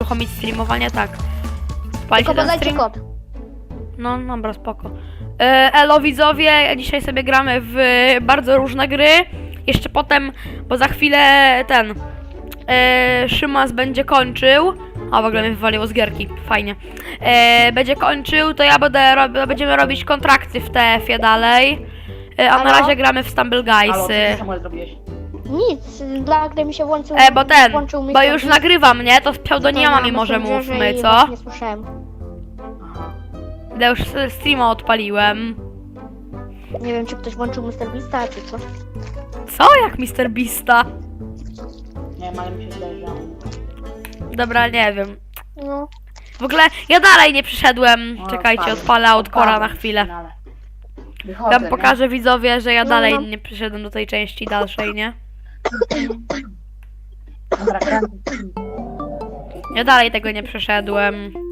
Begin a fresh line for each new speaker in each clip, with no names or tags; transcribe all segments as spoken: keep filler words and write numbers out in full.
uruchomić streamowanie, tak. Palicie
Tylko
ten
podajcie
stream?
kod.
No, dobra, spoko. E, Elo widzowie, dzisiaj sobie gramy w bardzo różne gry. Jeszcze potem, bo za chwilę ten e, Szymas będzie kończył. O, w ogóle mnie wywaliło z gierki, fajnie. E, będzie kończył, to ja będę rob, będziemy robić kontrakty w T F-ie dalej. E, a na
Halo?
razie gramy w Stumble
Halo, co
Guysy.
ty Samuel zrobiłeś?
Nic, dla gry mi się włączył.
E, bo ten,
włączył
bo
mikrofon.
już nagrywam, nie? To z pseudonimami
To
może
na Messengerze
mówmy,
i
co?
właśnie Nie słyszałem.
Aha.
Ja już streama odpaliłem.
Nie wiem, czy ktoś włączył mister Beasta, czy co.
Co? Jak mister Beasta?
Nie wiem, ale mi się wydaje, że...
Dobra, nie wiem.
No.
W ogóle ja dalej nie przyszedłem.
O,
Czekajcie,
odpadłem.
odpalę Outkora na
Odpadłem w
chwilę.
finale. Wychodzę,
Ja wam pokażę widzowie, że ja
No,
dalej
no.
nie przyszedłem do tej części dalszej, nie?
Nie? Dobra, kręcę.
Ja dalej tego nie przeszedłem.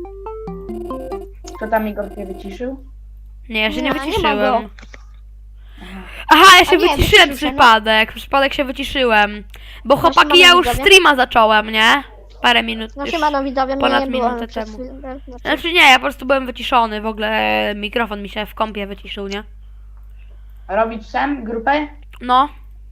Co tam Igor cię wyciszył?
Nie, ja się nie
Nie, nie ma
wyciszyłem.
go.
Aha, ja się
A nie,
wyciszyłem
wyciszył się, no.
przypadek. Przypadek się wyciszyłem. Bo
Proszę
chłopaki, ja
pana
już
widzowie.
streama zacząłem, nie? Parę minut
No
już.
siemano widzowie,
ponad
mnie nie było
minutę
przez
temu.
chwilę, znaczy-
Znaczy nie, ja po prostu byłem wyciszony. W ogóle mikrofon mi się w kompie wyciszył, nie?
Robić sam grupę?
No.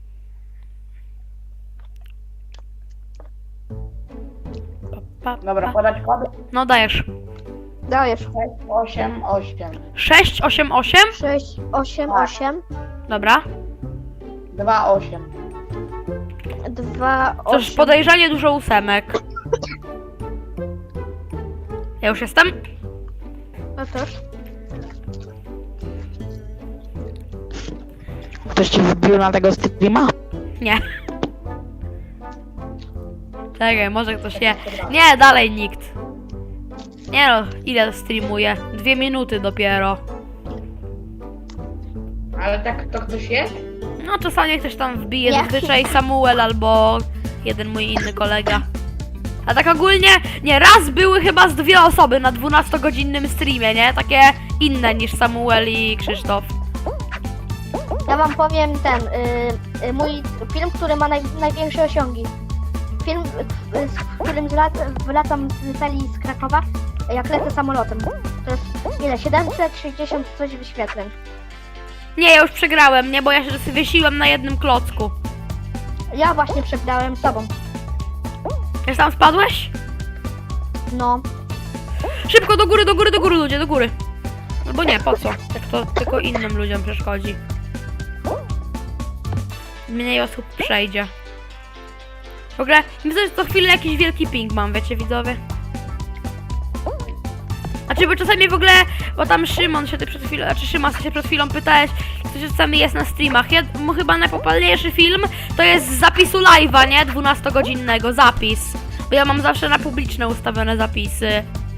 Pa, pa,
Dobra,
pa.
podać kod?
No dajesz.
Dajesz.
sześć osiem osiem
sześć osiem osiem?
sześć, osiem,
Tak.
osiem,
Dobra.
dwa osiem.
dwa,
Cóż,
osiem.
podejrzanie dużo ósemek. Ja już jestem?
No też.
Ktoś ci wbił na tego streama?
Nie. Czekaj, może ktoś nie. Nie, dalej nikt. Nie no, ile streamuję? Dwie minuty dopiero.
Ale tak to ktoś jest?
No czasami ktoś tam wbije,
Nie.
zazwyczaj Samuel albo jeden mój inny kolega. A tak ogólnie, nie, raz były chyba z dwie osoby na dwunastogodzinnym streamie, nie? Takie inne niż Samuel i Krzysztof.
Ja wam powiem ten, y, y, mój film, który ma naj, największe osiągi. Film, y, w którym zlat, wracam z celi z Krakowa, jak lecę samolotem. To jest ile? siedemset sześćdziesiąt coś wyświetleń.
Nie, ja już przegrałem, nie? Bo ja się wysiłem na jednym klocku.
Ja właśnie przegrałem z tobą.
Już tam spadłeś?
No.
Szybko do góry, do góry, do góry ludzie, do góry. Albo nie, po co? Tak to tylko innym ludziom przeszkodzi. Mniej osób przejdzie. W ogóle, myślę, że co chwilę jakiś wielki ping mam, wiecie widzowie? Znaczy, bo czasami w ogóle, bo tam Szymon się ty przed chwilą, znaczy Szymas się przed chwilą pytałeś, kto czasami jest na streamach. Ja, mu chyba najpopularniejszy film to jest z zapisu live'a, nie? dwunastogodzinnego, zapis. Bo ja mam zawsze na publiczne ustawione zapisy.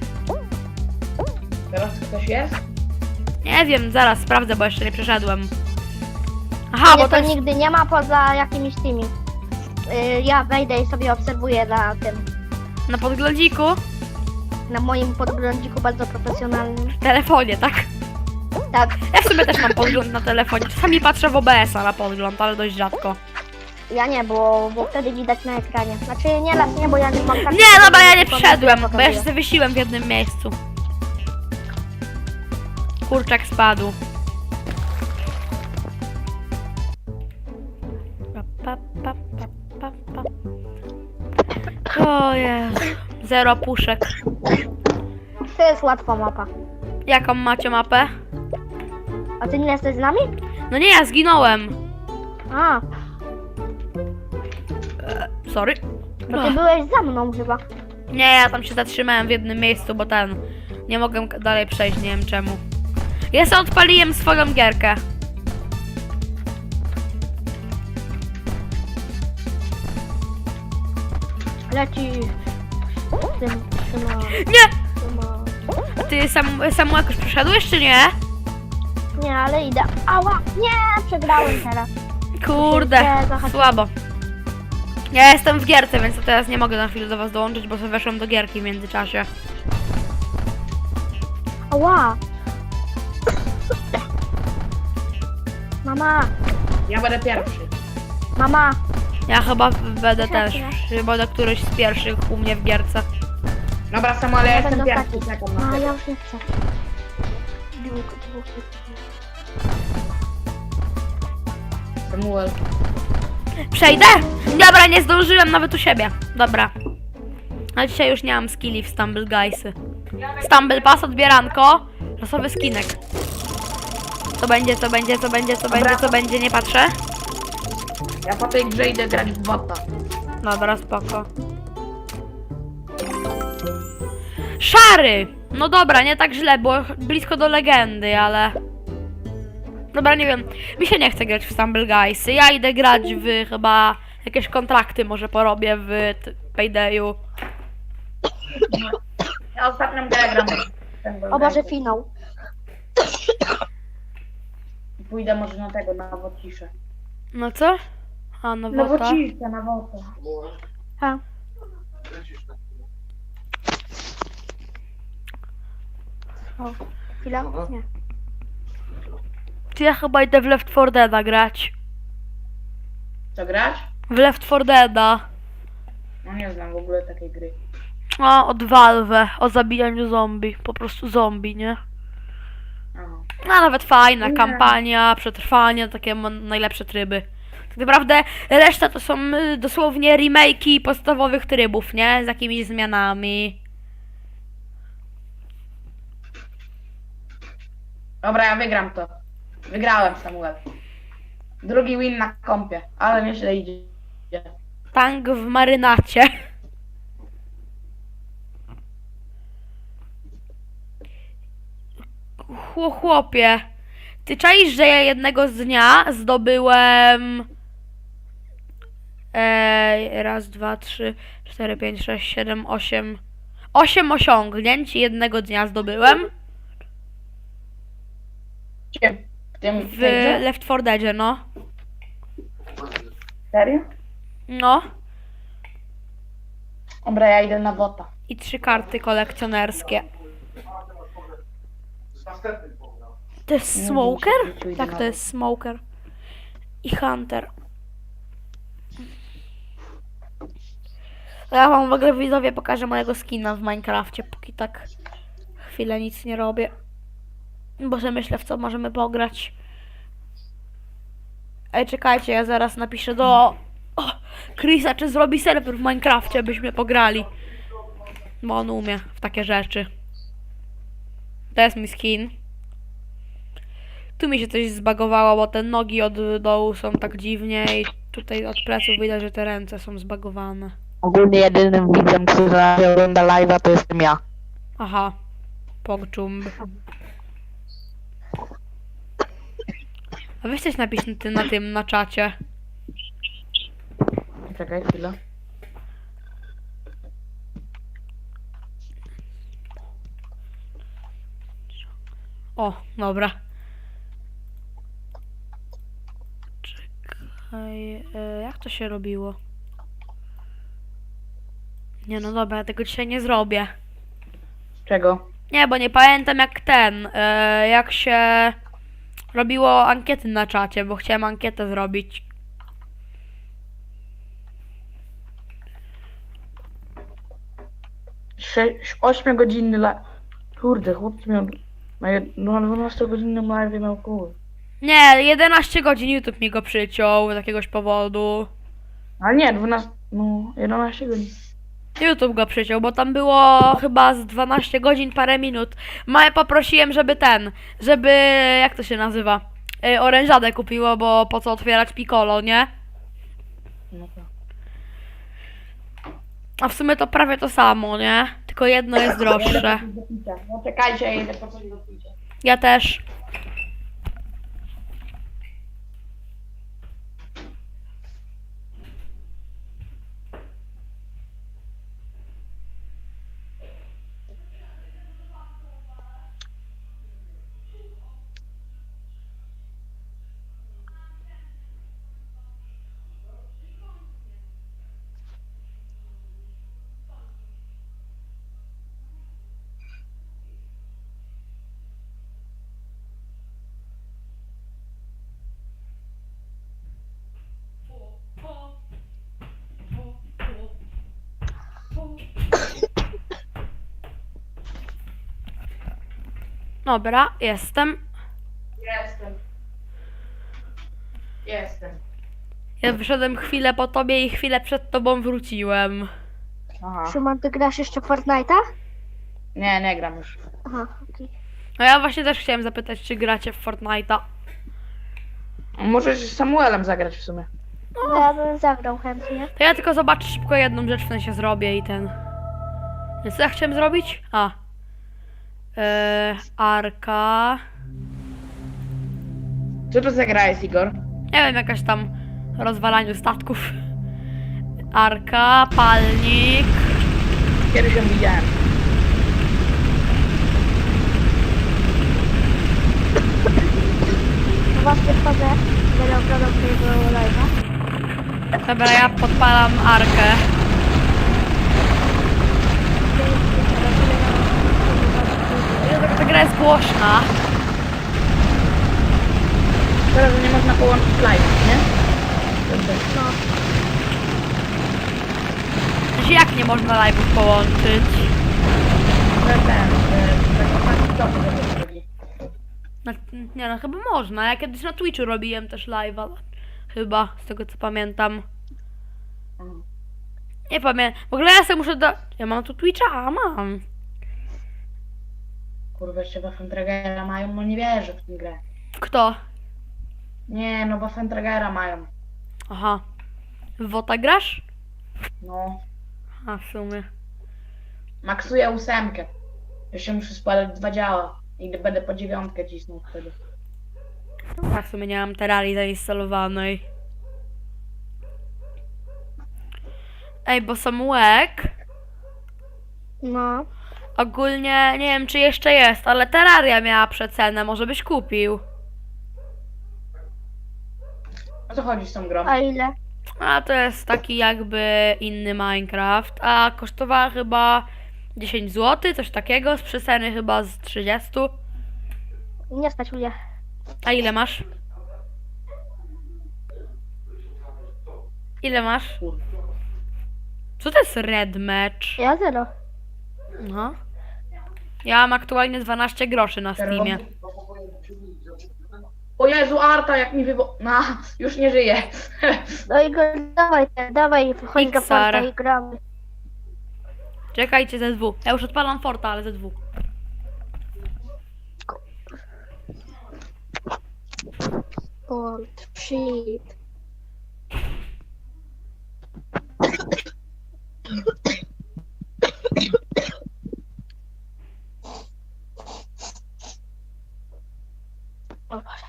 Teraz ktoś jest?
Nie wiem, zaraz sprawdzę, bo jeszcze nie przeszedłem. Aha,
Mnie
bo
to
to jest...
nigdy nie ma poza jakimiś tymi. Y, ja wejdę i sobie obserwuję na tym,
Na podglądziku?
na moim podglądziku bardzo profesjonalnym.
W telefonie, tak?
Tak,
Ja w sumie też mam podgląd na telefonie. Czasami patrzę w O B S a na podgląd, ale dość rzadko.
ja nie, bo, bo wtedy widać na ekranie. Znaczy nie raz nie, bo ja nie mam tak.
Nie, dobra, ja nie
tylko
przyszedłem,
mi
bo ja się
pokazuje.
zawiesiłem w jednym miejscu. Kurczak spadł. Pa, pa, pa, pa, pa, pa. O Jezu. Zero puszek.
To jest łatwa mapa.
Jaką macie mapę?
A ty nie jesteś z nami?
No nie, ja zginąłem.
A,
Sorry.
bo ty byłeś za mną chyba.
Nie, ja tam się zatrzymałem w jednym miejscu, bo ten... Nie mogłem k- dalej przejść, nie wiem czemu. Ja sobie odpaliłem swoją gierkę.
Leci. Tym, trzyma,
Nie!
trzyma.
A ty sam, Samu jakoś przeszedłeś, czy nie?
Nie, ale idę. Ała! Nie! Przegrałem teraz.
Kurde,
Nie, zahaczyłem.
słabo. Ja jestem w gierce, więc teraz nie mogę na chwilę do was dołączyć, bo sobie weszłam do gierki w międzyczasie.
Ała! Mama!
Ja będę pierwszy.
Mama!
Ja chyba będę
Czekaj.
też, chyba do któryś z pierwszych u mnie w gierce.
Dobra, Samuel, ja
Ja
jestem
będę
pierwszy,
ostatni.
czekam na
A,
ciebie.
ja już nie chcę. Dwóch, dwóch, dwóch.
Samuel.
Przejdę? Dobra, nie zdążyłem nawet u siebie. Dobra. A dzisiaj już nie mam skilli w Stumble Guysy. Stumble Pass, odbieranko. Losowy skinek. Co będzie, co będzie, co będzie, co będzie, co będzie, nie patrzę.
Ja po tej grze idę grać w bota.
Dobra, spoko. Szary! No dobra, nie tak źle, bo blisko do legendy, ale... Dobra, nie wiem. Mi się nie chce grać w Stumble Guysy. Ja idę grać w chyba... Jakieś kontrakty może porobię w t- Paydayu.
Ja ostatnią grę gram.
O Boże, finał.
Pójdę może na tego, na wociszę.
No co? A, no
Na
wota.
wociszę, na wotę.
Ha. O, chwila? Nie.
Ty, ja chyba idę w Left four Deada grać.
Co grać?
W Left four Deada.
No nie znam w ogóle takiej gry.
O, od Valve. O zabijaniu zombie. Po prostu zombie, nie?
Aha.
No, nawet fajna
Nie.
kampania, przetrwanie, takie ma- najlepsze tryby. Tak naprawdę reszta to są y, dosłownie remake'i podstawowych trybów, nie? Z jakimiś zmianami.
Dobra, ja wygram to. Wygrałem, Samuel. Drugi win na kompie, ale nieźle idzie.
Tank w marynacie. Chło- Chłopie, ty czaisz, że ja jednego z dnia zdobyłem... Ej, raz, dwa, trzy, cztery, pięć, sześć, siedem, osiem... Osiem osiągnięć jednego dnia zdobyłem
Gdzie? W tym
w
w tej grze?
Left four Deadzie, no.
Serio?
No.
Dobra, ja idę na wota.
I trzy karty kolekcjonerskie. To jest
Nie
Smoker?
wiem, czy idę
Tak,
na
to jest Smoker. I Hunter. Ja wam w ogóle widzowie pokażę mojego skina w Minecrafcie, póki tak chwilę nic nie robię. Bo że myślę, w co możemy pograć. Ej, czekajcie, ja zaraz napiszę do o, Chrisa, czy zrobi serwer w Minecrafcie, byśmy pograli. Bo on umie w takie rzeczy. To jest mój skin. Tu mi się coś zbagowało, bo te nogi od dołu są tak dziwnie i tutaj od pleców widać, że te ręce są zbagowane.
Ogólnie jedynym widzem, który ogląda live'a, to jestem ja.
Aha. Pogczumb. A weź coś napisz na tym, na tym, na czacie.
Czekaj chwilę.
O, dobra. Czekaj, e, jak to się robiło? Nie no dobra, ja tego dzisiaj nie zrobię.
Czego?
Nie, bo nie pamiętam jak ten, e, jak się robiło ankiety na czacie, bo chciałem ankietę zrobić.
Sześć, ośmiogodzinny live. Kurde, chłopcy miał... Na, jed... no, na dwunastogodzinnym live miał kur.
Nie, jedenaście godzin YouTube mi go przyciął z jakiegoś powodu.
Ale nie, dwanaście... No, jedenaście godzin.
YouTube go przyciął, bo tam było chyba z dwanaście godzin parę minut. Maję poprosiłem, żeby ten, żeby, jak to się nazywa, yy, orężadę kupiło, bo po co otwierać Piccolo, nie?
No to.
A w sumie to prawie to samo, nie? Tylko jedno jest droższe.
No czekajcie, ja idę po coś do picia.
Ja też. Dobra, jestem.
Jestem. Jestem.
Ja wyszedłem chwilę po tobie i chwilę przed tobą wróciłem.
Aha.
Szymon, ty grasz jeszcze w Fortnite'a?
Nie, nie gram już.
Aha, okej.
No ja właśnie też chciałem zapytać, czy gracie w Fortnite'a.
Możesz z Samuelem zagrać w sumie.
No ja bym zagrał chętnie.
To ja tylko zobaczę szybko jedną rzecz, w sensie zrobię i ten... Więc co ja chciałem zrobić? A. Yy, Arka...
Co to za gra jest, Igor?
Nie wiem, jakaś tam rozwalaniu statków. Arka, palnik.
Kiedyś ją widziałem.
No właśnie wchodzę, będę oglądał twojego live'a.
Dobra, ja podpalam Arkę. Jezu, ta gra jest głośna.
Teraz nie można połączyć live, nie?
No,
Znaczy, jak nie można live'ów połączyć?
Ten, ten, tak to chodzi.
No, nie no, chyba można. Ja kiedyś na Twitchu robiłem też live'a. Chyba, z tego co pamiętam. Nie pamiętam. W ogóle ja sobie muszę do... Ja mam tu Twitcha? A, mam.
Kurwa, jeszcze Waffentragera mają, no nie wierzę w tę grę.
Kto?
Nie, no Waffentragera mają.
Aha. W WOTA grasz?
No.
A, w sumie.
Maksuję ósemkę. Jeszcze muszę spalać dwa działa. I będę po dziewiątkę cisnął wtedy.
Ja w sumie nie mam Terrarii zainstalowanej. Ej, bo Samułek
no.
ogólnie, nie wiem czy jeszcze jest, ale Terraria miała przecenę, może byś kupił.
O co chodzi z tą grą?
A ile?
A to jest taki jakby inny Minecraft, a kosztowała chyba dziesięć złotych, coś takiego, z przeceny chyba z trzydzieści.
Nie stać mnie.
A ile masz? Ile masz? Co to jest Red Match?
Ja zero.
No. Ja mam aktualnie dwanaście groszy na Steamie.
O Jezu, Arta, jak mi wybo... No, już nie żyje.
No i go, dawaj, dawaj, wchodź do
Xar.
Forta i gramy.
Czekajcie, Z W. Ja już odpalam Forta, ale Z W.
Fort, shit. O Boże.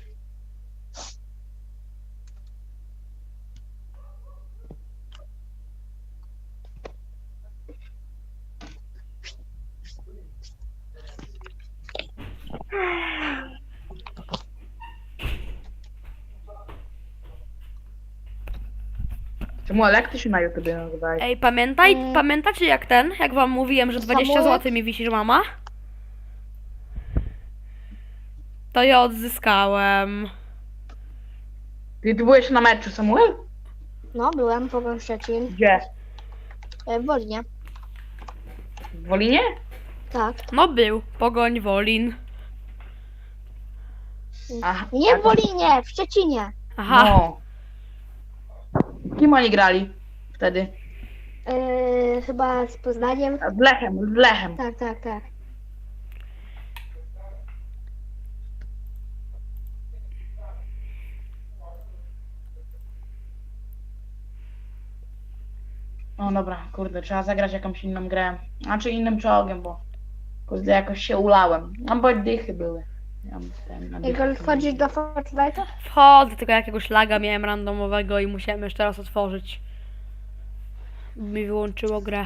Samuel, jak ty się na YouTubie nazywałeś?
Ej, pamiętaj,
Mm.
pamiętacie jak ten? Jak wam mówiłem, że dwadzieścia
Samuel?
złotych mi wisi, że mama? To ja odzyskałem.
Ty, ty byłeś na meczu, Samuel?
No, byłem po Szczecin.
Gdzie?
E, w Wolinie.
W Wolinie?
Tak.
No był, Pogoń Wolin.
Aha.
Nie
a
w
to-
Wolinie, w Szczecinie.
Aha.
No. Kim oni grali wtedy?
E, chyba z Poznaniem.
Z Lechem, z Lechem.
Tak, tak, tak.
No dobra, kurde, trzeba zagrać jakąś inną grę. Znaczy innym czołgiem, bo kurde, jakoś się ulałem. No bo dychy były. Ja myślałem na
Igor,
dychach.
wchodzisz do Fortnite'a?
Wchodzę, tylko jakiegoś laga miałem randomowego i musiałem jeszcze raz otworzyć. Mi wyłączyło grę.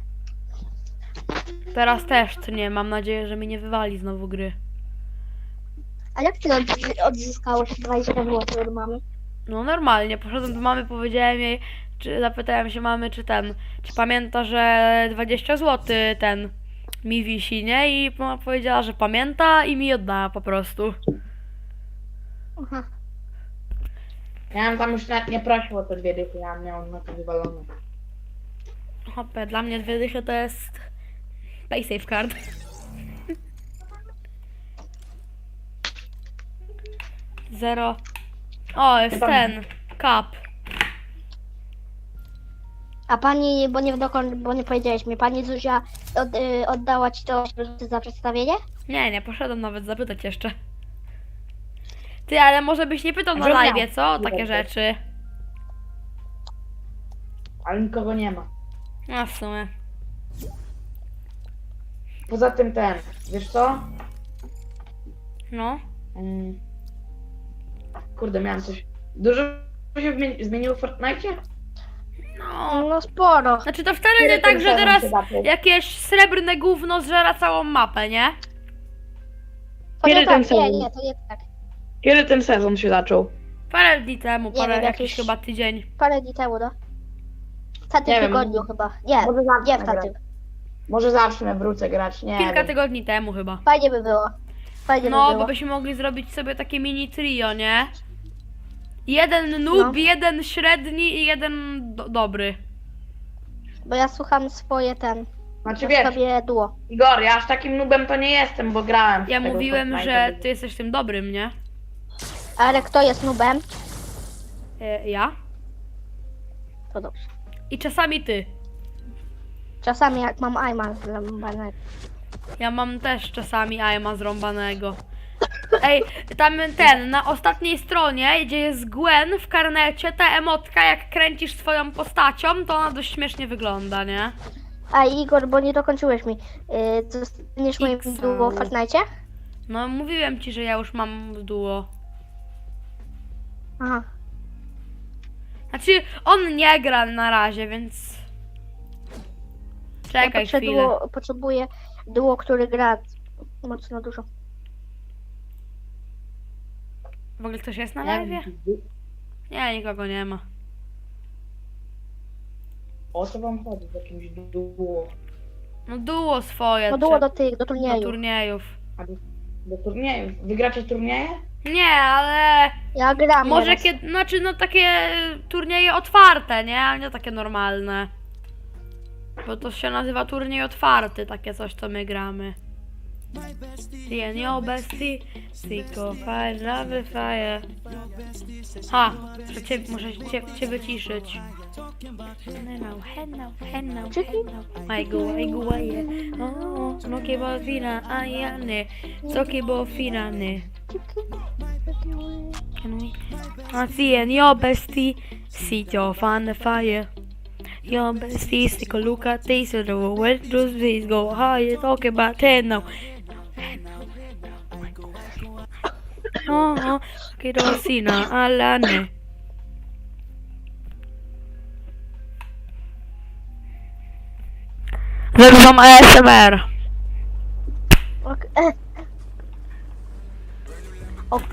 Teraz też, co nie, mam nadzieję, że mi nie wywali znowu gry.
A jak ty odzy- odzyskałeś dwadzieścia złotych od mamy?
No normalnie, poszedłem do mamy, powiedziałem jej, czy zapytałem się mamy, czy ten, czy pamięta, że dwadzieścia złotych ten mi wisi, nie? I mama powiedziała, że pamięta i mi oddała po prostu.
Aha.
Ja bym tam już nawet nie prosił o te dwie dychy, ja miałem na to wywalone.
Hopę, dla mnie dwie dychy to jest pay safe card. Zero. O, jest
Tam-
ten. Kap.
A pani, bo nie dokąd, bo nie powiedziałeś mi, pani Zuzia od, y, oddała ci to za przedstawienie?
Nie, nie, poszedłem nawet zapytać jeszcze. Ty, ale może byś nie pytał na
Że miał.
live, co? O takie
Dobra.
rzeczy.
Ale nikogo nie ma.
No w sumie.
Poza tym ten, wiesz co?
No.
Mm. Kurde, miałem coś. Dużo się wmi- zmieniło w Fortnite?
No.
No sporo.
Znaczy to wcale
Kiedy
nie tak,
ten
że
sezon
teraz
się zaczął?
jakieś srebrne gówno zżera całą mapę, nie?
To nie
Kiedy
tak,
ten
nie,
sezon?
nie, to nie tak.
Kiedy ten sezon się zaczął?
Parę dni temu,
Nie
parę
wiem,
jakiś
jakiś-
chyba tydzień.
Parę dni temu, no. W tamtym
Nie wiem.
tygodniu chyba. Nie,
Może zacznę
nie w
grać.
tamtym.
Może zacznę, wrócę grać, nie
Kilka
wiem.
tygodni temu chyba.
Fajnie by było. Fajnie
No,
by
bo
było.
byśmy mogli zrobić sobie takie mini trio, nie? Jeden noob,
No.
jeden średni i jeden do dobry.
Bo ja słucham swoje ten.
Znaczy
Ja
wiesz,
sobie duo.
Igor, ja aż takim nubem to nie jestem, bo grałem w
Ja
tego
mówiłem,
Fortnite'a.
że ty jesteś tym dobrym, nie?
Ale kto jest nubem?
E, ja?
To dobrze.
I czasami ty.
Czasami jak mam aima zląbanego.
Ja mam też czasami aima zrąbanego. Ej, tam ten, na ostatniej stronie, gdzie jest Gwen w karnecie, ta emotka, jak kręcisz swoją postacią, to ona dość śmiesznie wygląda, nie?
A Igor, bo nie dokończyłeś mi. Yy, zostaniesz moim
X.
duo w Fortnite?
No, mówiłem ci, że ja już mam duo.
Aha.
Znaczy, on nie gra na razie, więc...
Ja
Czekaj chwilę.
potrzebuję, potrzebuję duo, który gra mocno dużo.
W ogóle ktoś jest na
Nie
live?
wiem,
Nie, nikogo nie ma.
o co wam chodzi z jakimś duo?
No duo swoje.
No duo
trzeba-
do tych, do
do
turnieju.
turniejów.
A do, do turniejów? Wygracie turnieje?
Nie, ale
Ja gram
może
nieraz.
kiedy, znaczy no takie turnieje otwarte, nie? A nie takie normalne. Bo to się nazywa turniej otwarty, takie coś co my gramy. See and your bestie, Siko, fire, love fire. Ha, muszę cię, muszę cię, cię wyciszyć. Henna, henna, henna, henna. Majgu, majgu, maje. O, smoki bo fina, a ja nie. Soki bo fina, nie. Can we? I see and your bestie, see your fun fire. Your bestie, stick a look at this, and the world just please go higher. Talk about ten now. Oh, oh, kerosina alla ne. Zagrywam A S M R.
Ok. e. Ok.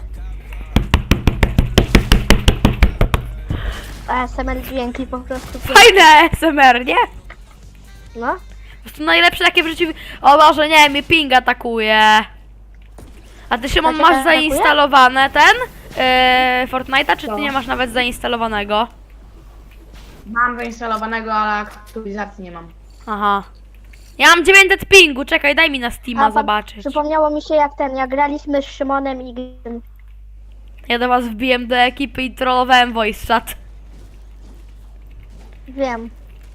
A S M R dźwięki po prostu.
Fajne A S M R, nie?
No.
Po prostu najlepsze takie w życiu. O Boże, nie, mnie ping atakuje. A ty Szymon
cię
masz
atakuje?
zainstalowane ten yy, Fortnite'a, czy ty
Co?
nie masz nawet zainstalowanego?
Mam zainstalowanego, ale aktualizacji nie mam.
Aha. Ja mam dziewięćset pingu, czekaj, daj mi na Steama
pan-
zobaczyć.
Przypomniało mi się jak ten, jak graliśmy z Szymonem i Gim.
Ja do was wbiłem do ekipy i trollowałem voice chat.
Wiem.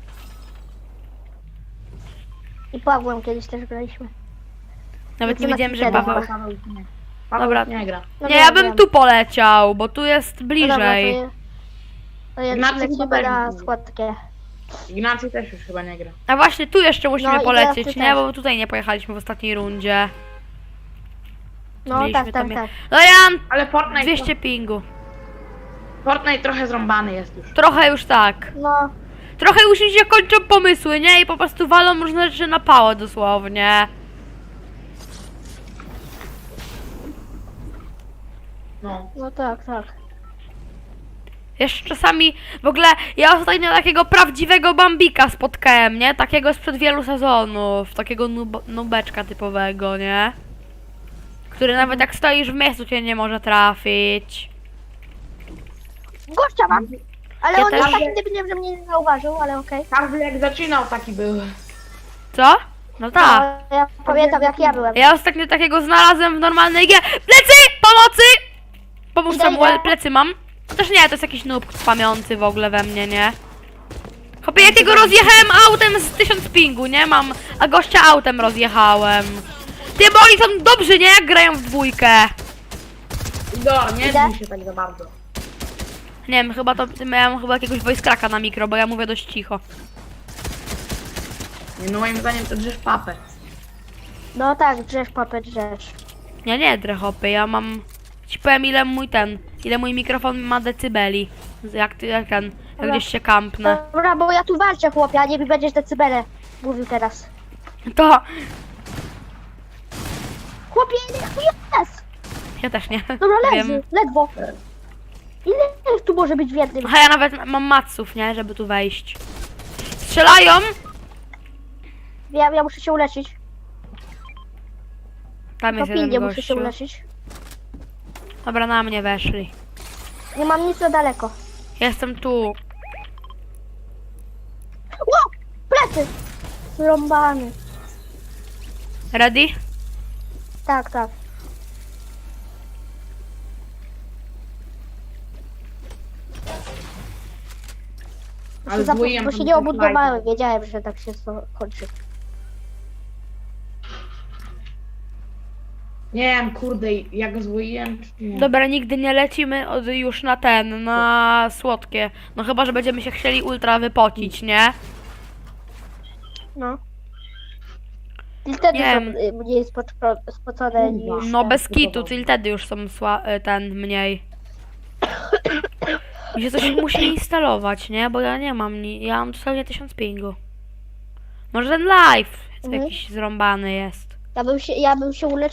I Pawłem kiedyś też graliśmy.
Nawet nie
No to
wiedziałem,
na
że
Twittera.
Paweł...
Paweł już nie. Paweł
Dobra.
już nie gra.
No
Nie,
wiem,
ja bym
wiem.
tu poleciał, bo tu jest
No dobra, to
bliżej.
je- To jest
Ignacy
lecimy
chyba
na
będzie.
składkę.
Ignacy też już chyba nie gra.
A właśnie tu jeszcze musimy
No i
polecieć,
teraz ty
nie?
też.
Bo tutaj nie pojechaliśmy w ostatniej rundzie.
No
Mieliśmy
tak,
tam
tak,
je-
tak.
No ja mam
Ale Fortnite,
dwieście pingu.
Fortnite trochę zrąbany jest już.
Trochę już tak.
No,
Trochę już mi się kończą pomysły, nie? I po prostu walą różne rzeczy na pałę dosłownie.
No.
no tak, tak.
Jeszcze czasami, w ogóle, ja ostatnio takiego prawdziwego Bambika spotkałem, nie? Takiego sprzed wielu sezonów, takiego nub nubeczka typowego, nie? Który nawet jak stoisz w miejscu cię nie może trafić.
Gościa mam! Ale
Ja
on jest
też.
taki debilem, że mnie nie zauważył, ale okej.
Każdy jak zaczynał taki był.
Co? No tak.
No, ja pamiętam jak ja byłem.
Ja ostatnio takiego znalazłem w normalnej grze. Plecy! Pomocy! Pomóż
Idę,
Samuel,
idę.
plecy mam. Chociaż nie, to jest jakiś noob spamiący w ogóle we mnie, nie? Chłopie, ja tego rozjechałem autem z tysiąc pingu, nie? Mam, a gościa autem rozjechałem. Ty, bo oni są dobrzy, nie? Jak grają w dwójkę.
Igor, nie
Idę?
zbij się tak za bardzo.
Nie wiem, chyba to miałem chyba jakiegoś voice cracka na mikro, bo ja mówię dość cicho.
Nie, no moim zdaniem to drzesz papę.
No tak, drzesz papę, drzesz.
Nie, nie, drechopy, ja mam... Ci powiem ile mój ten, ile mój mikrofon ma decybeli. Jak ty, jak ten, jak
Dobra.
gdzieś się kampnę.
Dobra, bo ja tu walczę, chłopie, a nie mi będziesz decybele mówił teraz.
To...
Chłopie, ile jest?
Ja też nie.
Dobra, leży,
Wiem.
ledwo. Ile tu może być w jednym?
Aha, ja nawet mam maców, nie? Żeby tu wejść. Strzelają!
Ja, ja muszę się uleczyć.
Tam
Po
jest jeden
pindzie muszę się
gościu.
uleczyć.
Dobra, na mnie weszli.
Nie mam nic za daleko.
Jestem tu.
Ło! Plecy! Zrąbany.
Ready?
Tak, tak.
Ale
Się zap-
zwoiłem
bo
tam
się nie
ten
obudowałem, wiedziałem, że tak się to kończy.
Nie wiem, kurde, ja go zwoiłem, czy nie?
Dobra, nigdy nie lecimy od, już na ten, na słodkie. No chyba, że będziemy się chcieli ultra wypocić, nie?
No. I wtedy
Nie
są
wiem.
y, mniej spoczo- spocone niż...
No
ten.
bez kitu, czyli wtedy już są sła, y, ten mniej. Mi się coś musi instalować, nie? Bo ja nie mam, ni- ja mam dosłownie tysiąc pingu. Może ten live
Mhm.
jakiś zrąbany jest.
Ja bym się, ja bym się uleczył.